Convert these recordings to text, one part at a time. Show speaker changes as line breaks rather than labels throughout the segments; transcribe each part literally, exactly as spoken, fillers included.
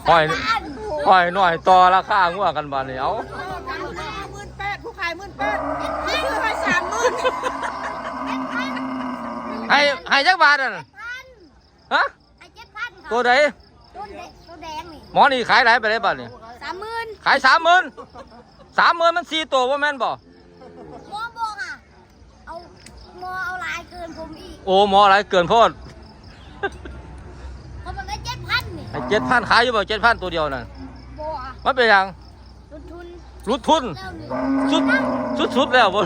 ห้อยห้อยหน่อยต่อราคางัวกันบาดนี้เอา
หมื่นแปดผู้ขายหมื่นแปดซื้อไปสามหมื่น
ให้ให้จักบาทอ่ะฮะ
ไอ้เจ็ดพัน
ตัวใด
ตัวแดงตัวแดงนี่
หมอนี่ขายหลายไปได้บาทนี่
สามหมื่น
ขายสามหมื่นสามหมื่นมันสี่ตัวว่าแม่นบ่
หมอบอกอ่ะเอาหมอเอาลายเกินผมอีก
โอ้หมออะไรเกินโพด
เพราะมันได้เจ็ดพันนี่
ไอ้เจ็ดพันขายอยู่บ่เจ็ดพันตัวเดียวน่ะ
บอกอ่ะ
มันเป็นหยัง
ต้นทุน
รุดทุน
แล้วหนึ่ง
สุดสุดสุดแล้วบ่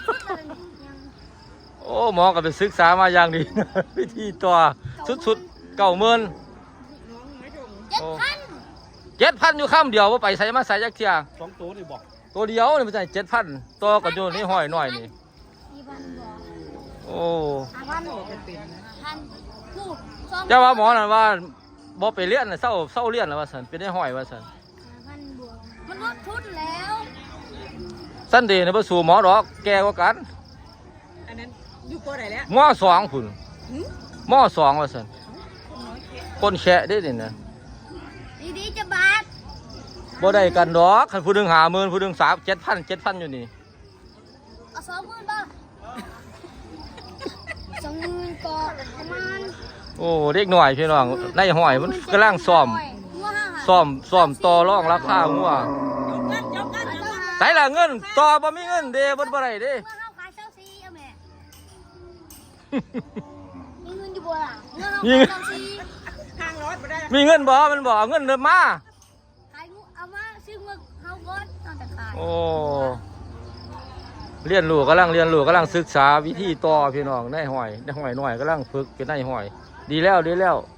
โอ้หมอก็ไปศึกษามาอย่างดี วิธีตัวสุดสุดเก้าหมื่น
เจ็ดพัน
เจ็ดพันอยู่ข้ามเดียวว่าไปใส่มาใส่ยักเทีย
สองตัวนี่บอก
ตัวเดียวนี่มันใส่เจ็ดพันตัวก็อยู่นี่ห้อยหน่อยนี่
สี่พันบอก
โอ้
ห้าพันพันพูดสอง
เจ้าว่าหมอนั่นว่าบ่ไปเลี้ยนน่ะเศร้าเศร้าเลี้ยนแล้วว่าสันเป็นได้ห้อยว่าสัน
ห้าพันบวกมันลดทุนแล้ว
สันเดย์นี่บ่สู่หมอดอกแก่กว่ากัน
อันนั้นอยู่ตัวไหนแล้ว
หมอสองพุ่นหมอสองว่าสันคนแฉะได้ดินะ
ดีดีๆจะบาท
บ่ได้กันดอกคันผู้หนึงห้าหมื่นผู้หนึงสามเจ็ดพันเจ็ดพันอยู่นี่
เอาสองหมื่นบ้างสองหมื่นก็ประมาณ
โอ้เด็กหน่อยพี่น้องในห้อยมันกำลังซ่อม
ว้า
ซ่อมซ่อมต่อรองราคางัว
จบกันจบกันจบกัน
ใส่ละเงินต่อบ่มีเงินเด้บ่บ่ได้เด้
เมื่อเขาขายเช่าซีเอาแม่มีเงินอยู่บ่ล่ะเมื่อเขา
มี
ขายเช่าซี
ทางร้อยไปได้
มีเงินบ่มันบ่เอาเงินเดิมมา
ขายงูเอามาซื้อเมื่อเขาก่อนตอนจะขาย
โอ้เรียนรู้กำลังเรียนรู้กำลังศึกษาวิธีต่อพี่น้องในห้อยในห้อยหน่อยกำลังฝึกเป็นในห้อย ดีแล้วดีแล้ว